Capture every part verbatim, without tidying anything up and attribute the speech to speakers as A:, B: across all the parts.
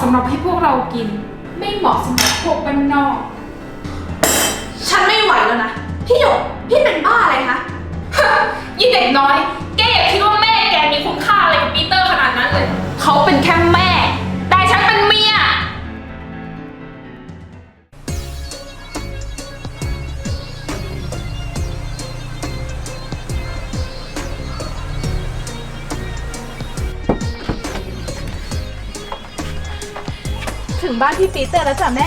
A: สำหรับให้พวกเรากินไม่เหมาะสำหรับพวกบ้านนอกฉันไม่ไหวแล้วนะพี่หยกพี่เป็นบ้าอะไรคะ ยี่เด็กน้อยแกอย่าคิดว่าแม่แกมีคุณค่าอะไรกับปีเตอร์ขนาดนั้นเลยเขาเป็นแค่แม่แต่ฉันเป็นเมีย
B: ถึงบ้านพี่ปีเตอร์แล้วจ้ะแม่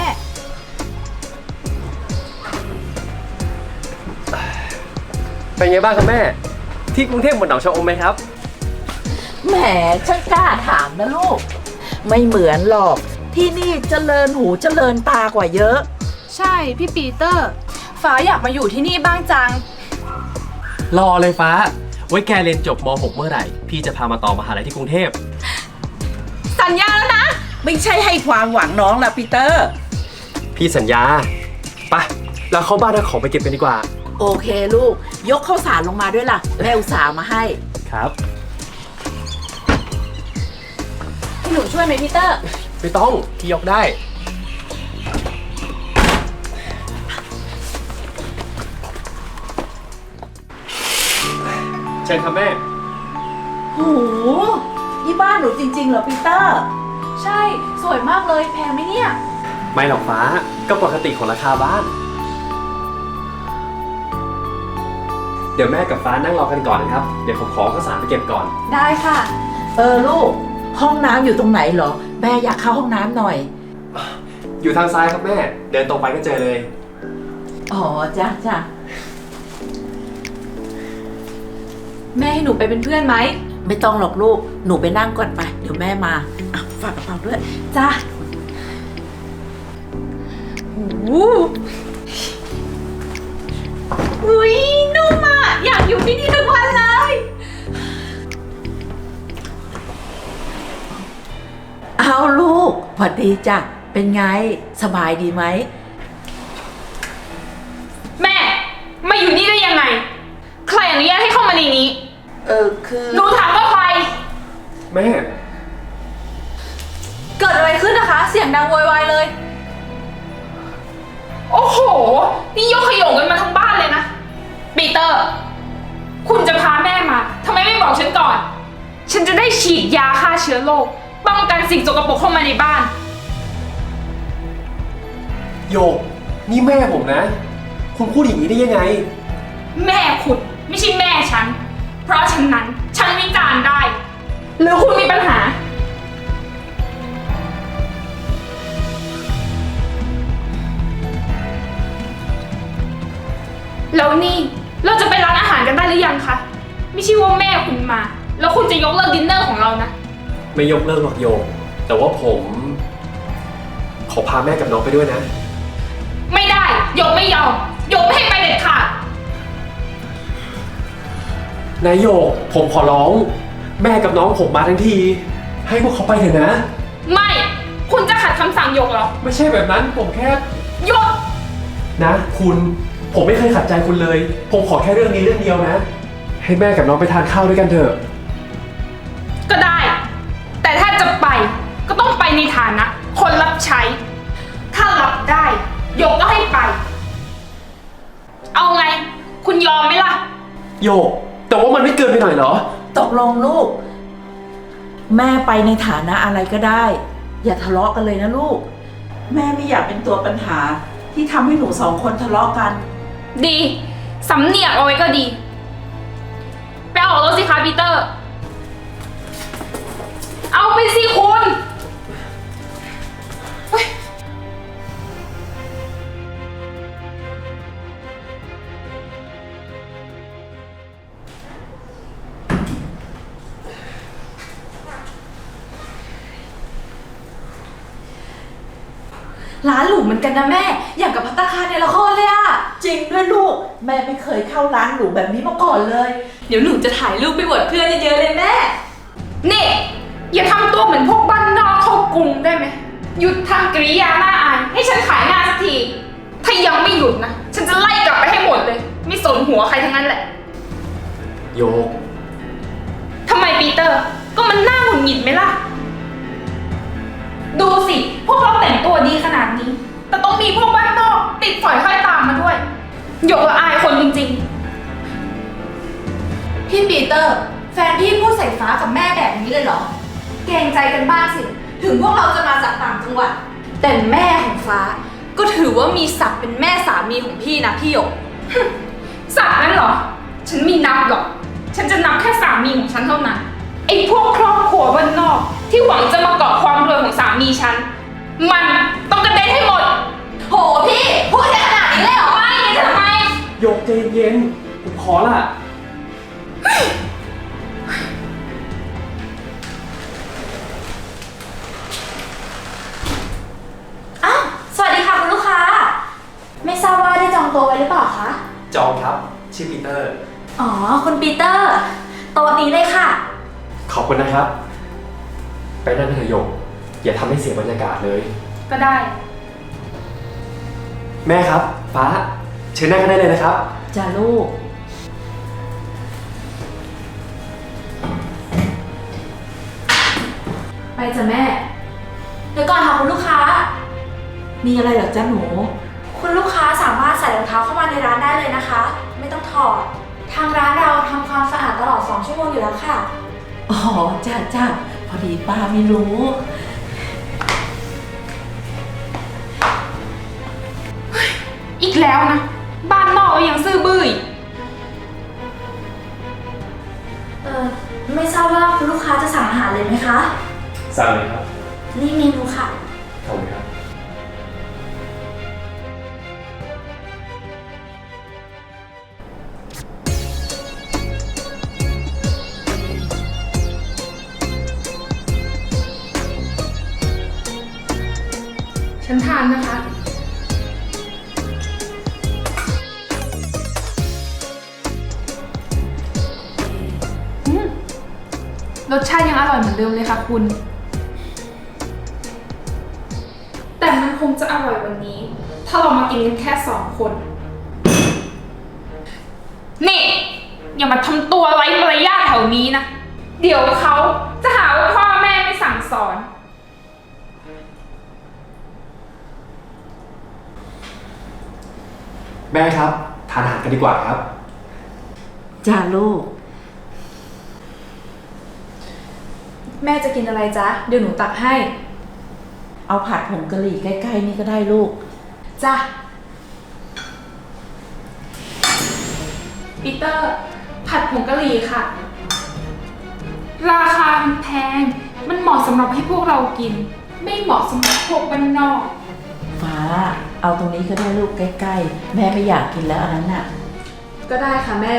C: เป็นไงบ้างครับแม่ที่กรุงเทพเหมือนหนองชะอมไหมครับ
D: แหมช่างกล้าถามนะลูกไม่เหมือนหรอกที่นี่เจริญหูเจริญตากว่าเยอะ
B: ใช่พี่ปีเตอร์ฟ้าอยากมาอยู่ที่นี่บ้างจัง
C: รอเลยฟ้าไว้แกเรียนจบม หก เมื่อไหร่พี่จะพามาต่อมหาลัยที่กรุงเทพ
B: สัญญาแล้วนะ
D: ไม่ใช่ให้ความหวังน้องละปีเตอร์
C: พี่สัญญาไปเราเข้าบ้านเอาของไปเก็บกันดีกว่า
D: โอเคลูกยกข้าวสารลงมาด้วยล่ะแม่อุตส่าห์มาให้
C: ครับ
B: พี่หนูช่วยไหมพีเตอร์
C: ไม่ต้องพี่ยกได้เชิญครับแม่
D: โหนี่บ้านหนูจริงๆเหรอปีเตอร์
B: ใช่สวยมากเลยแพงไหมเนี่ย
C: ไม่หรอกฟ้าก็ปกติของราคาบ้านเดี๋ยวแม่กับฟ้านั่งรอกันก่อนนะครับเดี๋ยวผมขอข้าวสารไปเก็บก่อน
B: ได้ค่ะ
D: เออลูกห้องน้ำอยู่ตรงไหนเหรอแม่อยากเข้าห้องน้ำหน่อย
C: อยู่ทางซ้ายครับแม่เดินตรงไปก็เจอเลย
D: อ๋อจ้ะจ้ะ
B: แม่ให้หนูไปเป็นเพื่อนไหม
D: ไม่ต้องหรอกลูกหนูไปนั่งก่อนไปเดี๋ยวแม่มาอ่ะฝากกระเป๋าด้วยจ้ะ
B: โอ้อุ้ยนุ่มอ่ะอยากอยู่ที่นี่ทุกวันเลย
D: เอาลูกสวัสดีจ้ะเป็นไงสบายดีไหม
A: แม่มาอยู่นี่ได้ยังไงใครอนุญาตให้เข้ามาในนี้
D: เออคือ
A: หนูถามว่าใคร
C: แม่
B: เกิดอะไรขึ้นนะคะเสียงดังโวยวายเลย
A: โอ้โหนี่ยกขยงกันมาทั้งบ้านเลยนะปีเตอร์คุณจะพาแม่มาทำไมไม่บอกฉันก่อนฉันจะได้ฉีดยาฆ่าเชื้อโรคป้องกันสิ่งสกปรกเข้ามาในบ้าน
C: โยกนี่แม่ผมนะคุณพูดอย่างนี้ได้ยังไง
A: แม่คุณไม่ใช่แม่ฉันเพราะฉะนั้นฉันวิจารณ์ได้หรือคุณมีปัญหาแล้วนี่เราจะไปร้านอาหารกันได้หรือยังคะไม่ใช่ว่าแม่คุณมาแล้วคุณจะยกเลิกดินเนอร์ของเรานะ
C: ไม่ยกเลิกหรอกโยกแต่ว่าผมขอพาแม่กับน้องไปด้วยนะ
A: ไม่ได้ยกไม่ยอมยกไม่ให้ไปเด็ดขาด
C: นายโยกผมขอร้องแม่กับน้องผมมาทั้งทีให้พวกเขาไปเถอะนะ
A: ไม่คุณจะขัดคำสั่งยกเหรอ
C: ไม่ใช่แบบนั้นผมแค่
A: ยก
C: นะคุณผมไม่เคยขัดใจคุณเลยผมขอแค่เรื่องนี้เรื่องเดียวนะให้แม่กับน้องไปทานข้าวด้วยกันเถอะ
A: ก็ได้แต่ถ้าจะไปก็ต้องไปในฐานะคนรับใช้ถ้ารับได้ยกก็ให้ไปเอาไงคุณยอมไหมล่ะ
C: โยกแต่ว่ามันไม่เกินไปหน่อยเหรอ
D: ตกลงลูกแม่ไปในฐานะอะไรก็ได้อย่าทะเลาะกันเลยนะลูกแม่ไม่อยากเป็นตัวปัญหาที่ทำให้หนูสองคนทะเลาะกัน
A: ดีสำเนียกเอาไว้ก็ดีไปออกรถสิคะปีเตอร์เอาไปสิคุณ
B: ร้านหรูเหมือนกันนะแม่อย่างกับภัตตาคารในละครเลยอะ
D: จริงด้วยลูกแม่ไม่เคยเข้าร้านหรูแบบนี้มาก่อนเลย
B: เดี๋ยวหนูจะถ่ายรูปไปอวดเพื่อนเยอะๆเลยแม่
A: นี่อย่าทำตัวเหมือนพวกบ้านนอกเข้ากรุงได้ไหมหยุดทำกริยาหน้าอายให้ฉันขายหน้าสักทีถ้ายังไม่หยุดนะฉันจะไล่กลับไปให้หมดเลยไม่สนหัวใครทั้งนั้นแหละ
C: โยก
A: ทำไมปีเตอร์ก็มันน่าหงุดหงิดไหมล่ะดูสิ พวกเราแต่งตัวดีขนาดนี้ แต่ต้องมีพวกบ้านนอกติดฝอยห้อยตามมาด้วยหยกละอายคนจริงๆ พี่ปีเตอร์ แฟนพี่พูดใส่ฟ้ากับแม่แบบนี้เลยเหรอ เกรงใจกันบ้างสิ ถึงพวกเราจะมาจากต่างจังหวัด แต่แม่ของฟ้า ก็ถือว่ามีศักดิ์เป็นแม่สามีของพี่นะพี่หยก ศักดิ์นั้นเหรอ ฉันไมีนับหรอก ฉันจะนับแค่สามีของฉันเท่านั้น ไอ้พวกครอบครัวบ้านนอกที่หวังจะมาเกาะความรวยของสามีฉัน มันต้องกระเด็นให้หมด โหพี่ พูดได้ขนาดนี้เลยเหรอ ไม่งั้นทำไม
C: โยกใจเย็นๆผมขอละ
A: อ้าวสวัสดีค่ะคุณลูกค้า ไม่ทราบว่าได้จองโต๊ะไว้หรือเปล่าคะ
C: จองครับ ชื่อปีเตอร์
A: อ๋อ คุณปีเตอร์ โต๊ะนี้เลยค่ะ
C: ขอบคุณนะครับ ไปนั่งเถอะโยกอย่าทำให้เสียบรรยากาศเลย
A: ก็ได้
C: แม่ครับ ฟ้า เชิญนั่งกันได้เลยนะครับ
D: จ้าลูก
A: ไปจ้ะแม่ เดี๋ยวก่อนค่ะคุณลูกค้า
D: มีอะไรเหรอจ้าหนู
A: คุณลูกค้าสามารถใส่รองเท้าเข้ามาในร้านได้เลยนะคะ ไม่ต้องถอด ทางร้านเราทำความสะอาดตลอดสองชั่วโมงอยู่แล้วค่ะ
D: อ๋อจ้าจ้าพอดีป้าไม่รู้
A: อีกแล้วนะ บ้านนอกก็ยังซื่อบื้ออีก
E: เออไม่ทราบว่าคุณลูกค้าจะสั่งอาหารเลยไหมคะ
C: สั่งเลยครับ
E: นี่เมนูค่ะ
C: ขอบคุณครับ
A: ฉันทานนะคะ อืม รสชาติยังอร่อยเหมือนเดิมเลยค่ะคุณ แต่มันคงจะอร่อยวันนี้ ถ้าเรามากินกันแค่สองคน นี่ อย่ามาทำตัวไร้มารยาทแถวนี้นะ เดี๋ยวเขาจะหาว่าพ่อแม่ไม่สั่งสอน
C: แม่ครับ ทานอาหารกันดีกว่าครับ
D: จ้าลูก
A: แม่จะกินอะไรจ๊ะ เดี๋ยวหนูตักให้
D: เอาผัดผงกะหรี่ใกล้ๆนี่ก็ได้ลูก
A: จ้ะ ปีเตอร์ ผัดผงกะหรี่ค่ะ ราคามันแพง มันเหมาะสำหรับให้พวกเรากิน ไม่เหมาะสำหรับพวกบ้านนอก
D: ฟ้า เอาตรงนี้ก็ได้ลูกใกล้ๆ แม่ไม่อยากกินแล้วอันนั้นน่ะ
A: ก็ได้ค่ะแม่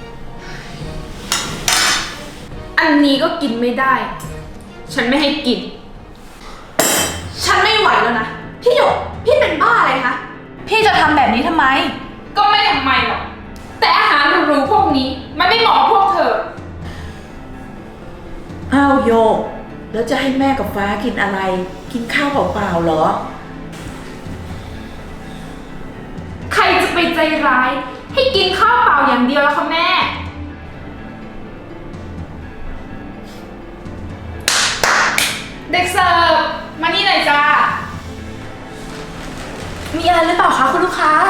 A: อันนี้ก็กินไม่ได้ ฉันไม่ให้กิน ฉันไม่ไหวแล้วนะ พี่หยก พี่เป็นบ้าอะไรคะ พี่จะทำแบบนี้ทำไม ก็ไม่ทำไมหรอก แต่อาหารหรูๆพวกนี้ มันไม่เหมาะกับพวกเธอ
D: อ้าวโยก แล้วจะให้แม่กับฟ้ากินอะไร กินข้าวเปล่าๆเหรอ
A: ใครจะไปใจร้าย ให้กินข้าวเปล่าอย่างเดียวแล้วคะแม่ เด็กเสิร์ฟมานี่หน่อยจ้า
E: มีอะไรหรือเปล่าคะคุณลูกค้า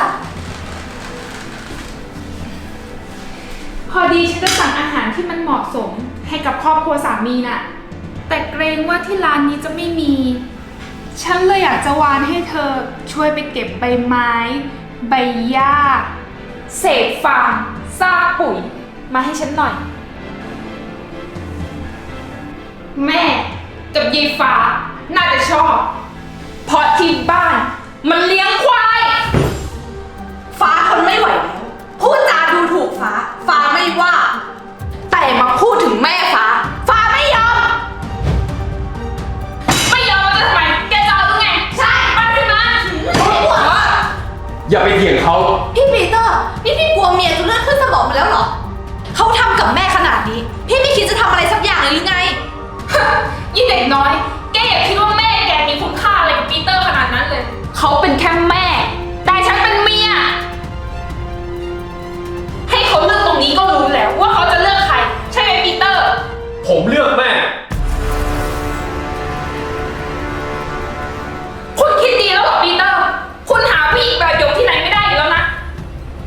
A: พอดีฉันจะสั่งอาหารที่มันเหมาะสมให้กับครอบครัวสามีน่ะ แต่เกรงว่าที่ร้านนี้จะไม่มี ฉันเลยอยากจะวานให้เธอช่วยไปเก็บใบไม้ ใบหญ้า เศษฟางซากปุ๋ย มาให้ฉันหน่อย แม่กับยายฟ้าน่าจะชอบ เพราะที่บ้านมันเลี้ยงควาย ฟ้าทนไม่ไหวแล้ว พูดจาดูถูกฟ้า ฟ้าไม่ว่า แต่มาพูดถึงแม่ฟ้า ฟ้าไม่ยอม ไม่ยอมแล้วจะทำไม แกจะเอาหรือไง ใช่มาสิมาปวดว่า
C: อย่าไปเถียงเขา
A: พี่ปีเตอร์ นี่พี่กลัวเมียจนเลือดขึ้นสมองไปแล้วเหรอ เขาทำกับแม่ขนาดนี้ พี่ไม่คิดจะทำอะไรสักอย่างเลยหรือไง ยี่เด็กน้อย แกอย่าคิดว่าแม่แกมีคุณค่าอะไรกับปีเตอร์ขนาดนั้นเลย เขาเป็นแค่แม่ แต่ฉันเป็นเมีย ให้เขาเลือกตรงนี้ก็รู้แล้วว่าเขาจะเลือกใคร ใช่ไหมปีเตอร์
C: ผมเลือกแม่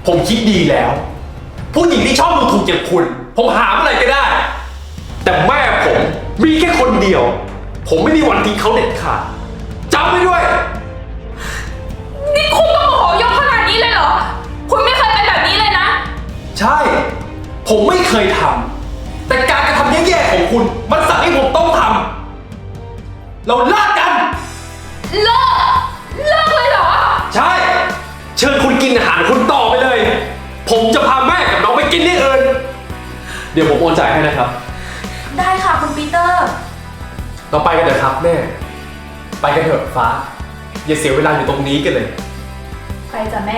C: ผมคิดดีแล้ว ผู้หญิงที่ชอบดูถูกเจ็บคุณ ผมหาเมื่อไหร่ก็ได้ แต่แม่ผมมีแค่คนเดียว ผมไม่มีวันทิ้งเขาเด็ดขาดจำไว้ด้วย
A: นี่คุณต้องโมโหยกขนาดนี้เลยเหรอ คุณไม่เคยเป็นแบบนี้เลยนะ
C: ใช่ ผมไม่เคยทำแต่การกระทำแย่ๆของคุณ มันสั่งให้ผมต้องทำเราเลิกกัน
A: เลิก เลิกเลยเหรอ
C: ใช่ เชิญคุณกินอาหารคุณต่อไปเลย ผมจะพาแม่กับน้องไปกินที่อื่นเดี๋ยวผมโอนจ่ายให้นะครับ
E: ได้ค่ะคุณปีเตอร์
C: เราไปกันเถอะครับแม่ ไปกันเถอะฟ้า อย่าเสียเวลาอยู่ตรงนี้กันเลย
A: ไปจ้ะแม่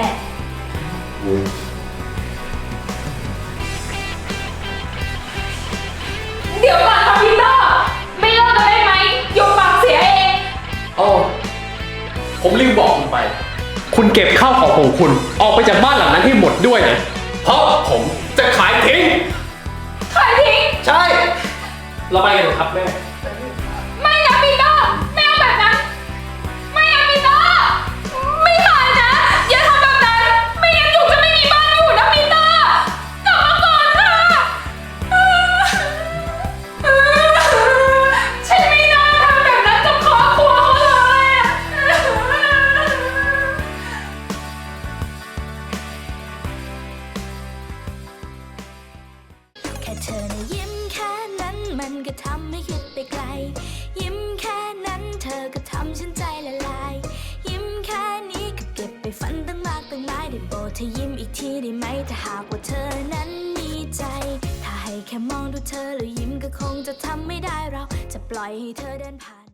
A: เดี๋ยวก่อนค่ะพีเตอร์ ไม่เลิกกันได้ไหมยกปากเสียเอง
C: อ๋อ ผมลืมบอกคุณไป คุณเก็บข้าวของของคุณ ออกไปจากบ้านหลังนั้นให้หมดด้วยนะ เพราะผมจะขายทิ้ง
A: ขายทิ้ง
C: ใช่ เราไปกันเถอะครับแม่
A: ไม่นะปีเตอร์ ไม่เอาแบบนั้น ไม่เอาปีเตอร์ ไม่ขายนะ อย่าทำแบบนั้น ไม่งั้นหนูจะไม่มีบ้านอยู่นะปีเตอร์กลับมาก่อนค่ะ ฉันไม่น่าทำแบบนั้นกับครอบครัวเขาเลยอะ
F: แค่เธอนะยิ้มแค่นั้นมันก็ทำให้คิดไปไกล ยิ้มแค่นั้นเธอก็ทำฉันใจละลาย ยิ้มแค่นี้ก็เก็บไปฝันตั้งมากตั้งหลายได้โปรดเธอยิ้มอีกทีได้ไหมถ้าหากว่าเธอนั้นมีใจ ถ้าให้แค่มองดูเธอแล้วยิ้มก็คงจะทำไม่ได้เราจะปล่อยให้เธอเดินผ่าน